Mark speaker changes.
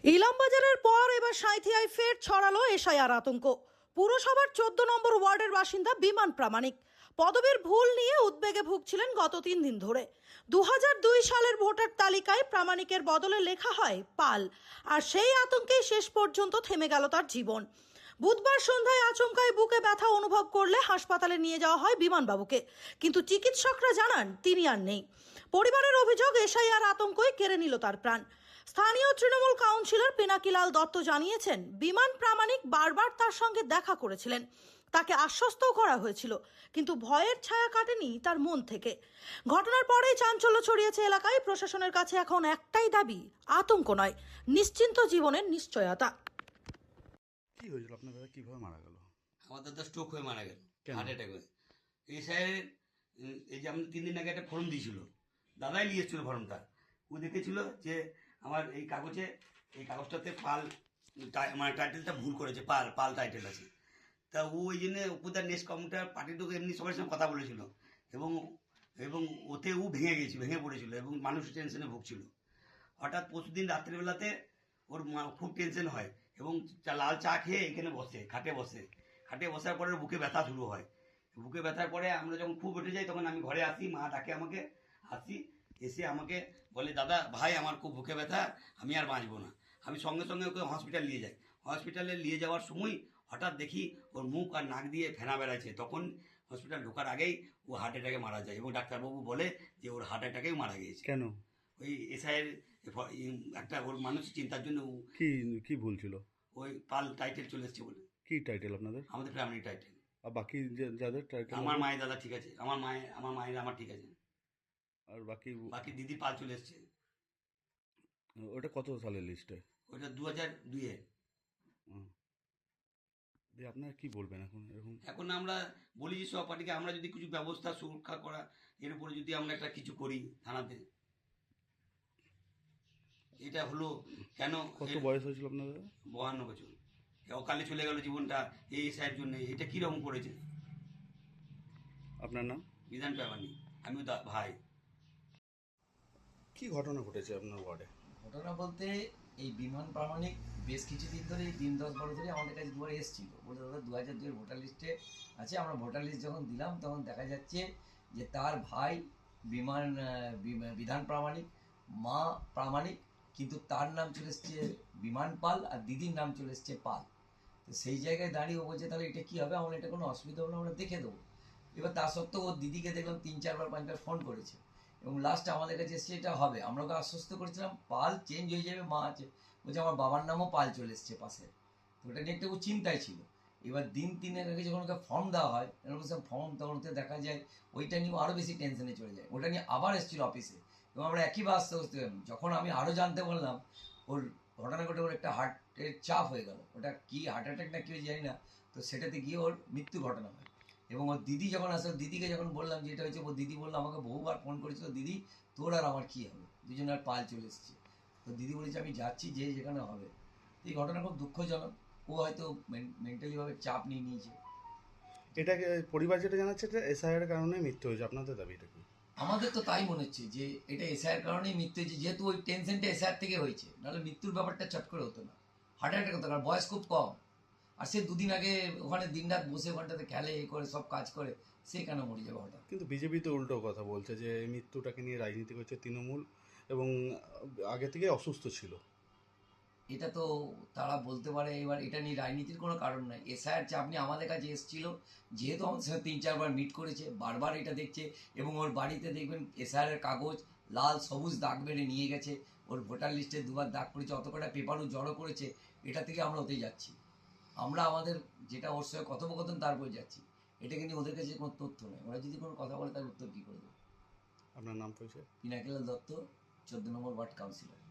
Speaker 1: ইলামবাজারের পর এবার সাঁইথিয়ায় ফের ছড়ালো এসআইআর আতঙ্ক। পুরসভার 14 নম্বর ওয়ার্ডের বাসিন্দা বিমান প্রামাণিক পদবীর ভুল নিয়ে উদ্বেগে ভুগছিলেন গত 3 দিন ধরে। 2002 সালের ভোটার তালিকায় প্রামাণিকের বদলে লেখা হয় পাল, আর সেই আতঙ্কেই শেষ পর্যন্ত থেমে গেল তার জীবন। বুধবার সন্ধ্যায় আচমকায় বুকে ব্যথা অনুভব করলে হাসপাতালে নিয়ে যাওয়া হয় বিমানবাবুকে, কিন্তু চিকিৎসকরা জানান তিনি আর নেই। পরিবারের অভিযোগ এসআইআর আতঙ্কই কেড়ে নিল তার প্রাণ। স্থানীয় তৃণমূল কাউন্সিলর পিনাকিলাল দত্ত জানিয়েছেন, বিমান প্রামাণিক বারবার তার সঙ্গে দেখা করেছিলেন, তাকে আশ্বস্তও করা হয়েছিল, কিন্তু ভয়ের ছায়া কাটেনি তার মন থেকে। ঘটনার পরেই চাঞ্চল্য ছড়িয়েছে এলাকায়। প্রশাসনের কাছে এখন একটাই দাবি, আতঙ্ক নয়, নিশ্চিন্ত জীবনের নিশ্চয়তা।
Speaker 2: কি হয়েছিল আপনার দাদা, কিভাবে মারা গেল?
Speaker 3: আমার দাদা স্ট্রোক হয়ে মারা গেল, হার্ট অ্যাটাক হয়ে। এই স্যারের এই যে আমি 3 দিন আগে একটা ফর্ম দিয়েছিল, দাদাই নিয়ে এসেছিল ফর্মটা। ও দেখেছিল যে আমার এই কাগজটাতে পাল মানে টাইটেলটা ভুল করেছে, পাল টাইটেল আছে। তা ও ওই জন্য উপদার নেক্সট কমিটার পার্টিটুকু এমনি সবার সঙ্গে কথা বলেছিল, এবং এবং ওতে ও ভেঙে পড়েছিল এবং মানুষ টেনশনে ভুগছিল। হঠাৎ পরশুদিন রাত্রিবেলাতে ওর খুব টেনশন হয় এবং লাল চা খেয়ে এখানে খাটে বসার পরে বুকে ব্যথা শুরু হয়। বুকে ব্যথার পরে আমরা যখন খুব উঠে যাই তখন আমি ঘরে আসি, মা ডাকে আমাকে, এসে আমাকে বলে, দাদা ভাই আমার খুব বুকে ব্যথা, আমি আর বাঁচবো না। আমি সঙ্গে সঙ্গে ওকে হসপিটাল নিয়ে যাই। হসপিটালে নিয়ে যাওয়ার সময় হঠাৎ দেখি ওর মুখ আর নাক দিয়ে ফেনা বেড়াচ্ছে। তখন হসপিটাল ঢোকার আগেই ও হার্ট অ্যাটাকে মারা যায় এবং ডাক্তারবাবু বলে যে ওর হার্ট অ্যাটাকেই মারা গিয়েছে।
Speaker 2: কেন?
Speaker 3: ওই এসআইয়ের একটা ওর মানুষের চিন্তার জন্য।
Speaker 2: কি ভুল ছিল?
Speaker 3: ওই পাল টাইটেল চলে এসছে বলে।
Speaker 2: কি টাইটেল আপনাদের?
Speaker 3: আমাদের ফ্যামিলি টাইটেল।
Speaker 2: আর বাকি যাদের টাইটেল?
Speaker 3: আমার মায়ের দাদা ঠিক আছে, আমার মায়ের আমার ঠিক আছে,
Speaker 2: আর বাকি
Speaker 3: দিদি পাল চলে এসছে।
Speaker 2: ওটা কত সালের লিস্টে?
Speaker 3: ওইটা 2002-এ।
Speaker 2: আপনারা কি বলবেন এখন?
Speaker 3: এখন আমরা বলি যে সব পার্টিকে আমরা যদি কিছু ব্যবস্থা সুরক্ষা করা, এর উপরে যদি আমরা একটা কিছু করি থানাতে। এটা হলো কেন?
Speaker 2: কত বয়স হয়েছিল আপনাদের?
Speaker 3: 52 বছর। অকালে চলে গেল জীবনটা এই স্যারের জন্য। এটা কিরকম করেছে?
Speaker 2: আপনার নাম?
Speaker 3: বিধান প্রামাণিক। আমিও ভাই।
Speaker 2: কি ঘটনা ঘটেছে আপনার ওয়ার্ডে?
Speaker 4: ঘটনা বলতে এই বিমান প্রামাণিক বেশ কিছুদিন ধরে, 3-10 ধরে আমাদের কাছে দুবার এসেছিল, বলে দাদা 2002-এর ভোটার লিস্টে আছে। আমরা ভোটার লিস্ট যখন দিলাম তখন দেখা যাচ্ছে যে তার ভাই বিধান প্রামাণিক, মা প্রামাণিক, কিন্তু তার নাম চলে এসছে বিমান পাল আর দিদির নাম চলে এসছে পাল। তো সেই জায়গায় দাঁড়িয়ে ও বলছে তাহলে এটা কী হবে, আমরা এটা কোনো অসুবিধা হবে না, আমরা দেখে দেবো। এবার তা সত্ত্বেও ওর দিদিকে দেখলাম 3-4-5বার ফোন করেছে এবং লাস্ট আমাদের কাছে এসছে এটা হবে। আমরা ওকে আশ্বস্ত করেছিলাম পাল চেঞ্জ হয়ে যাবে, মা আছে। বলছে আমার বাবার নামও পাল চলে এসছে পাশে। তো ওটা নিয়ে একটু চিন্তায় ছিল। এবার দিন 3-এর আগে যখন ওকে ফর্ম দেওয়া হয়, ফর্ম তখন ওতে দেখা যায় ওইটা নিয়েও আরও বেশি টেনশনে চলে যায়। ওটা নিয়ে আবার এসেছিল অফিসে এবং আমরা একই বাস্তে বুঝতে পারলাম। যখন আমি আরও জানতে পারলাম ওর ঘটনা ঘটে ওর একটা হার্টের চাপ হয়ে গেল, ওটা কি হার্ট অ্যাটাক না কেউ জানি না। তো সেটাতে গিয়ে ওর মৃত্যু ঘটনা হয়। এবং ওর দিদি যখন আসে, দিদিকে যখন বললাম যে এটা হয়েছে, ওর দিদি বললো আমাকে বহুবার ফোন করেছিল, দিদি তোর আর আমার কী হবে, দুজন আর পাল চলে এসছে। তো দিদি বলেছে আমি যাচ্ছি, যে যেখানে হবে। এই ঘটনা খুব দুঃখজনক। ও হয়তো মেন্টালিভাবে চাপ নিয়ে নিয়েছে।
Speaker 2: এটাকে পরিবার যেটা জানাচ্ছে এটা এসআইআর কারণে মৃত্যু হয়েছে, আপনাদের দাবিটা কি?
Speaker 4: আমাদের তো তাই মনে হচ্ছে যে এটা এসআইয়ের কারণেই মৃত্যু হয়েছে, যেহেতু ওই টেনশনটা এসআইয়ের থেকে হয়েছে, নাহলে মৃত্যুর ব্যাপারটা চট করে হতো না। হার্ট অ্যাটাক হতো, কারণ বয়স খুব কম। আর সে দুদিন আগে ওখানে দিনরাত বসে ওখানটাতে খেলে, করে সব কাজ করে, সে কেন মরে যাবে হঠাৎ?
Speaker 2: কিন্তু বিজেপি তো উল্টো কথা বলছে যে এই মৃত্যুটাকে নিয়ে রাজনীতি করছে তৃণমূল এবং আগে থেকে অসুস্থ ছিল।
Speaker 4: এটা তো তারা বলতে পারে। এবার এটা নিয়ে রাজনীতির কোনো কারণ নাই। এসআইআর চাপ নিয়ে আমাদের কাছে এসেছিল, যেহেতু আমাদের সাথে 3-4বার মিট করেছে, বারবার এটা দেখছে এবং ওর বাড়িতে দেখবেন এসআইআরের কাগজ লাল সবুজ দাগ মেরে নিয়ে গেছে, ওর ভোটার লিস্টে 2বার দাগ পড়েছে, অত কটা পেপারও জড়ো করেছে। এটা থেকে আমরা ওতেই যাচ্ছি। আমরা আমাদের যেটা ওর সঙ্গে কথোপকথন তারপর যাচ্ছি। এটাকে নিয়ে ওদের কাছে কোনো তথ্য নেই। ওরা যদি কোনো কথা বলে তার উত্তর কী করে দেবে?
Speaker 2: আপনার নাম পরিচয়?
Speaker 4: পিনাকিলাল দত্ত, 14 নম্বর ওয়ার্ড কাউন্সিলর।